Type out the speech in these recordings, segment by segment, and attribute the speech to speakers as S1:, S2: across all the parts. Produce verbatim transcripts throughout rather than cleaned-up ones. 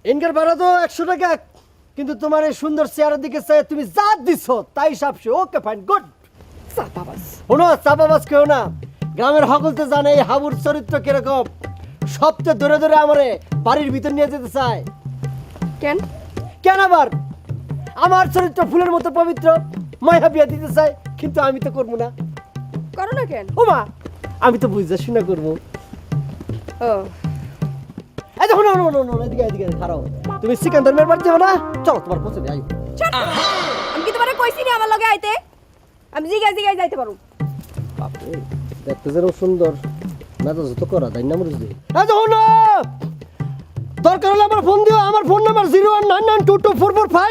S1: Incur ভাড়া তো একশো টাকা, কিন্তু তোমার এই সুন্দর চেহারার দিকে চাই তুমি যা দিছ তাই সাপসে। Okay fine, good.
S2: চাপাবাজ।
S1: শোনো, চাপাবাজ কেউ না, গ্রামের সকলতে জানে এই হাবুর চরিত্র কিরকম। সবচেয়ে ধরে ধরে আমারে বাড়ির ভিতর নিয়ে যেতে চায়।
S2: কেন?
S1: কেন আবার? আমার চরিত্র ফুলের মতো পবিত্র, মায়া বিয়া দিতে চায়, কিন্তু আমি তো করবো না।
S2: করো না কেন?
S1: ও মা, আমি তো বুঝতে শুনে করবো।
S2: ও
S1: এই দেখো, না না না না, এদিকে এদিকে খারাপ। তুমি সিকান্দার মেয়ের বাড়ি যাও না? চলো তোমার পছন্দ, আইও।
S2: ছাড়। আমি কি তোমারে কইছি না আমার লগে আইতে? আমি জিগাই জিগাই যাইতে পারো।
S1: বাপরে, দেখতে যেন সুন্দর, মেজাজ তো করা তাই না মরিস দি। এই দেখো না, দরকার হলে আমার ফোন দিও। আমার phone number zero one nine nine two two four four five.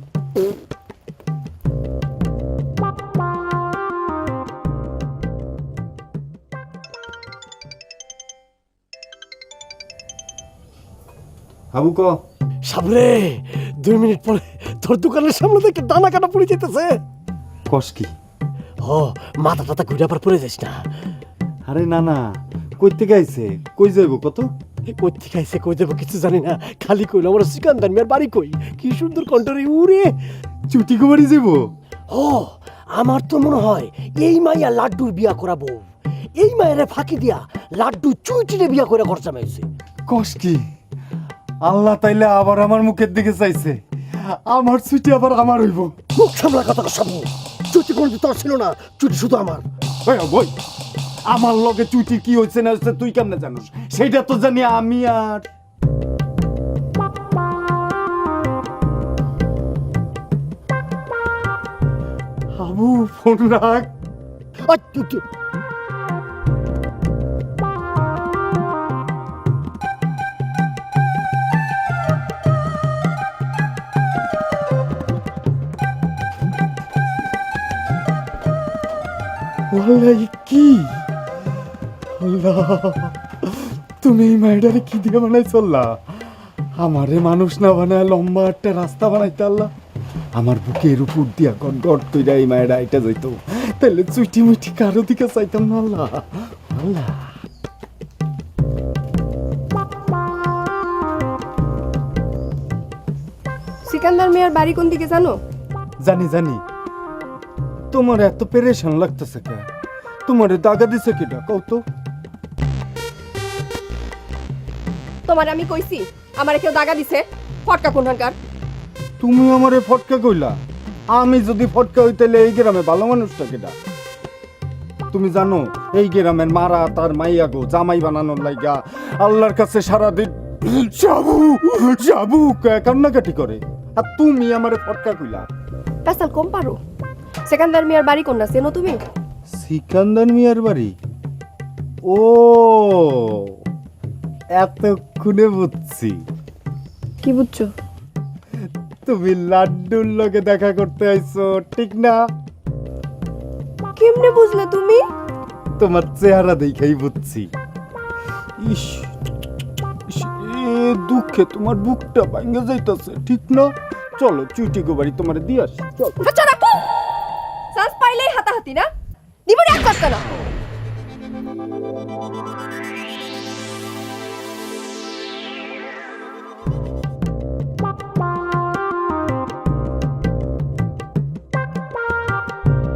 S3: Habu ক
S1: সাবরে, দুই মিনিট পরে তোর দোকানের সামনে থেকে দানা কাটা পড়ে যেতেছে।
S3: কস কি?
S1: ও, মাথা টাথা ঘুরে আবার পড়ে যাস না।
S3: আরে না না, কই থেকে আইছে? কই যাইব কত?
S1: কই থেকে আইছে কই দেবো কিছু জানি না, খালি কইলো আমার সিকান্দার মেয়ের বাড়ি কই। কি সুন্দর কণ্ঠরে উড়ে।
S3: চুটি কুমারি যাইব?
S1: ও, আমার তো মনে হয় এই মাইয়া লাড্ডুর বিয়া করাবো। এই মায়ের ফাঁকি দিয়া লাড্ডু চুইটিরে বিয়া করে খরচা মেয়েছে।
S3: কস কি? আল্লাহ তাইলে আবার আমার মুখের দিকে চাইছে। আমার চুটি আবার আমার হইব।
S1: মুখ সামলা কথা সামু। চুটি কোনো তোর ছিল না, চুটি শুধু আমার।
S3: ওই বই, আমার লগে চুটি কি হইছে না হইছে তুই কেমনে জানোস? সেইটা তো জানি আমি। আর হাবু, ফোন রাখ।
S1: আই, তু- তু-
S3: ওয়াল্লাহ, কি আল্লাহ, তুমি এই মাইডারে কি দিয়ে বানাই চললা? আমারে মানুষ না বানায় লম্বা একটা রাস্তা বানাইতে আল্লাহ। আমার বুকের উপর দিয়া গট গট কইরা এই মায়েরা এটা যাইতো, তাহলে চুইটি মুইটি কারো দিকে চাইতাম না আল্লাহ। আল্লাহ,
S2: সিকান্দার মিয়ার বাড়ি কোন দিকে জানো?
S3: জানি জানি। তোমার এত পেরেশান লাগতেছে কে? তোমারে দাগা দিছে কিটা কও তো?
S2: তোমার আমি কইছি আমারে কেউ দাগা দিছে? ফটকা কোনখানকার?
S3: তুমি আমারে ফটকা কইলা? আমি যদি ফটকা হইতালে এই গ্রামে ভালো মানুষটা কেডা? তুমি জানো এই গ্রামের মারা তার মাইয়া গো জামাই বানানোর লাইগা আল্লাহর কাছে সারাদিন যাবু যাবু কান্নাকাটি করে, আর তুমি আমারে ফটকা কইলা?
S2: পেশাল কম পারো। সিকান্দার মিয়ার বাড়ি কোন না চেনো তুমি?
S3: সিকান্দার মিয়ার বাড়ি? ও, এতক্ষণে বুঝছি।
S2: কি বুঝছো?
S3: তুমি লাড্ডুর লগে দেখা করতে আইছো, ঠিক না?
S2: কেমনে বুঝলে তুমি?
S3: তোমার চেহারা দেখেই বুঝছি। ইস, ইস, এ দুঃখে তোমার বুকটা ভাঙে যাইতাছে, ঠিক না? চলো চুইটি গো বাড়ি তোমার দিয়ে আসি, চলো।
S2: আচ্ছা রাখো। চান্স পাইলেই হাতাহাতি না? দিব না এক না।